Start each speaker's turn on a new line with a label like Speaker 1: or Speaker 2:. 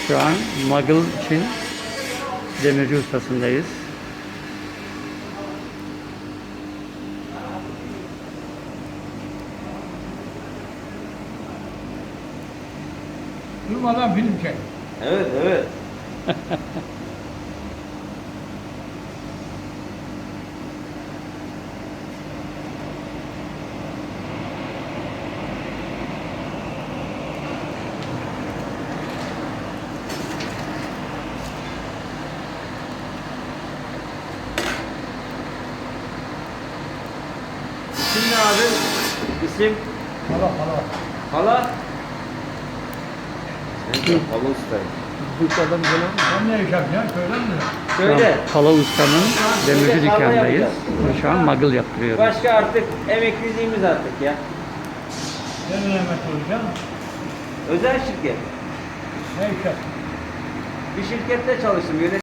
Speaker 1: Şu an Magıl için demirci ustasındayız.
Speaker 2: Durmadan film çek.
Speaker 3: Evet, evet. İsim ne abi? İsim?
Speaker 2: Hala.
Speaker 3: Hala? Sen de hala ustayım.
Speaker 1: Bursa'dan gelen
Speaker 2: Sen ne iş yapacaksın? Söyler misin?
Speaker 3: Söyle.
Speaker 1: Pala Usta'nın demirci
Speaker 3: Söyle, tarla
Speaker 1: dükkanındayız.
Speaker 3: yapacağız.
Speaker 1: Şu an Magıl yaptırıyoruz.
Speaker 3: Başka artık emekliliğimiz artık ya.
Speaker 2: Sen ne yemek olacaksın?
Speaker 3: Özel şirket.
Speaker 2: Ne iş yapacaksın?
Speaker 3: Bir şirkette çalıştım.